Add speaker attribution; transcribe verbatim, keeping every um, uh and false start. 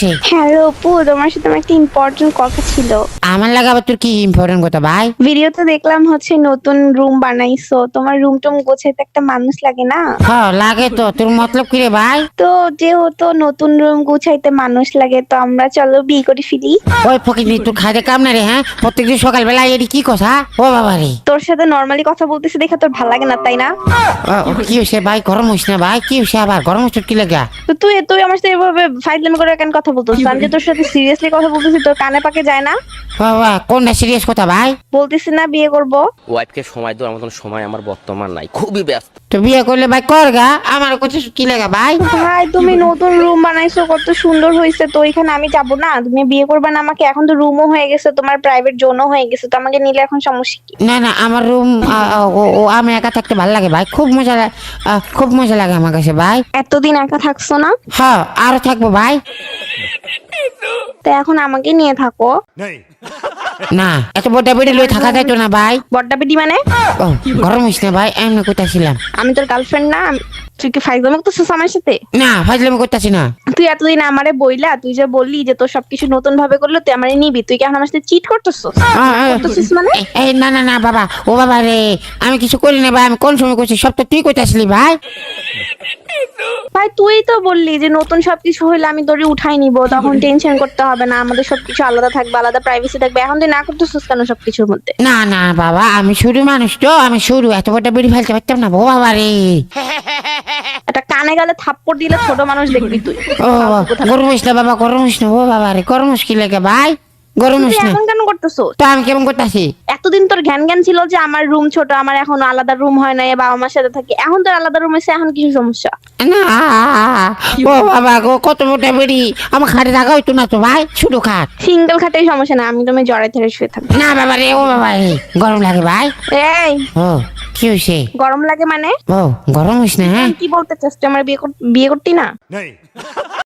Speaker 1: Hello আপু, তোমার সাথে আমার একটা ইম্পর্টেন্ট কথা ছিল।
Speaker 2: আমার লাগে আবার তোর কি ইম্পর্টেন্ট কথা ভাই?
Speaker 1: ভিডিওতে দেখলাম হচ্ছে নতুন রুম বানাইছো, তোমার রুম টুম গোছাইতে একটা মানুষ লাগে না?
Speaker 2: হ্যাঁ লাগে তো। তোর মতলব কি রে ভাই?
Speaker 1: তো যেহেতু নতুন রুম গুছাইতে মানুষ লাগে, তো আমরা চলো বিয়ে করে ফেলি।
Speaker 2: ওই ফকিনি তুই খাইতে কাম না রে? হ্যাঁ, প্রত্যেকদিন সকালবেলা এটি কি কথা? ও বাবা রে,
Speaker 1: তোর সাথে নর্মালি কথা বলতেছি দেখে তোর ভালো লাগে না তাই না?
Speaker 2: ও, ও, কি হয়েছে ভাই? গরম হইস না ভাই, কি হয়েছে আবার? গরম হচ্ছে কি লাগা?
Speaker 1: তো তুই তুই আমার সাথে এভাবে ফাইজলামি করে কেন কথা বলতেছিস? আমি যে তোর সাথে সিরিয়াসলি কথা বলতেছি, তোর কানে পাকে যায় না?
Speaker 2: বাবা কোনটা সিরিয়াস কথা ভাই?
Speaker 1: বলতেছি না বিয়ে করব।
Speaker 3: ওয়াইফকে সময় দেওয়ার মতন সময় আমার বর্তমান নাই, খুবই ব্যস্ত।
Speaker 2: তো বিয়ে করলে ভাই কর গা, আমার কথা কি লাগা ভাই?
Speaker 1: ভাই তুমি নতুন রুম বানাইছো, কত সুন্দর হয়েছে, তো এখানে আমি যাব না? তুমি বিয়ে করবে না আমাকে? এখন তো রুমও হয়ে গেছে, তোমার প্রাইভেট জোনও হয়ে গেছে, তো আমাকে নিলে এখন সমস্যা কি?
Speaker 2: না না, আমার রুম ও আমি একা থাকতে ভালো লাগে ভাই, খুব মজা লাগে, খুব মজা লাগে আমার কাছে ভাই।
Speaker 1: এতদিন একা থাকছো না?
Speaker 2: হ্যাঁ আরো থাকবো ভাই।
Speaker 1: তো এখন আমাকে নিয়ে থাকো।
Speaker 2: না, এত বড় বেড়ে লই থাকা যাইতো না ভাই।
Speaker 1: বড্ডা বেটি মানে?
Speaker 2: ও গরম হইস না ভাই, এমনি কইতাছিলাম।
Speaker 1: আমি তোর গার্লফ্রেন্ড না? আমি- তুই কি ফাইজলামি করতেছিস আমার সাথে?
Speaker 2: না ফাজলামি করতাছি না।
Speaker 1: তুই এতদিন আমারে বইলা, তুই যে বললি যে তোর সবকিছু নতুন ভাবে করলো, তুই আমারে নিবি, তুই কি এখন আমার সাথে চিট করতেছিস?
Speaker 2: আ, আ,
Speaker 1: করতেছিস মানে?
Speaker 2: এ- এই না না না বাবা, ও বাবা রে, আমি কিছু করি না ভাই, আমি কোন সময় করছি? সব তো তুই কইতাছিলি ভাই।
Speaker 1: ভাই তুই তো বললি যে নতুন সবকিছু হইলে আমি তোরে উঠাই নিব, তখন টেনশন করতে হবে না, আমাদের সবকিছু আলাদা থাকবে, আলাদা প্রাইভেসি থাকবে। এখন তুই না করতেছিস কেন সবকিছুর মধ্যে?
Speaker 2: না না বাবা, আমি শুরু মানুষ তো, আমি শুরু, এত বড় বেড়ে ফেলতে পারতাম না। ও বাবা রে,
Speaker 1: একটা কানে গালে থাপ্পড় দিলে ছোট মানুষ দেখবি তুই।
Speaker 2: ও বাবা, গরম হইস না বাবা, গরম হইস না। ও বাবা রে, গরম হইস কি লাগে ভাই? গরম
Speaker 1: তুই
Speaker 2: হইস না
Speaker 1: এখন কেন করতেছিস?
Speaker 2: তো আমি কেমন করতেছি?
Speaker 1: এতদিন তোর জ্ঞান জ্ঞান ছিল যে আমার রুম ছোট, আমার এখন আলাদা রুম হয় না, বাবা মার সাথে থাকি, এখন তোর আলাদা রুম এসে এখন কিছু সমস্যা?
Speaker 2: না, ও বাবা গো, কত মোটা বেড়ি, আমার খাটে থাকা হইতো না তো ভাই, শুধু খাট।
Speaker 1: সিঙ্গেল খাটেই সমস্যা না, আমি তুমি জড়াই ধরে শুয়ে থাকবো।
Speaker 2: না বাবা রে, ও বাবা রে, গরম লাগে ভাই।
Speaker 1: এই
Speaker 2: ও কি হয়েছে?
Speaker 1: গরম লাগে মানে?
Speaker 2: ও গরম হইস না হ্যাঁ।
Speaker 1: কি বলতে চাস? তুই আমার বিয়ে কর- বিয়ে করতি না?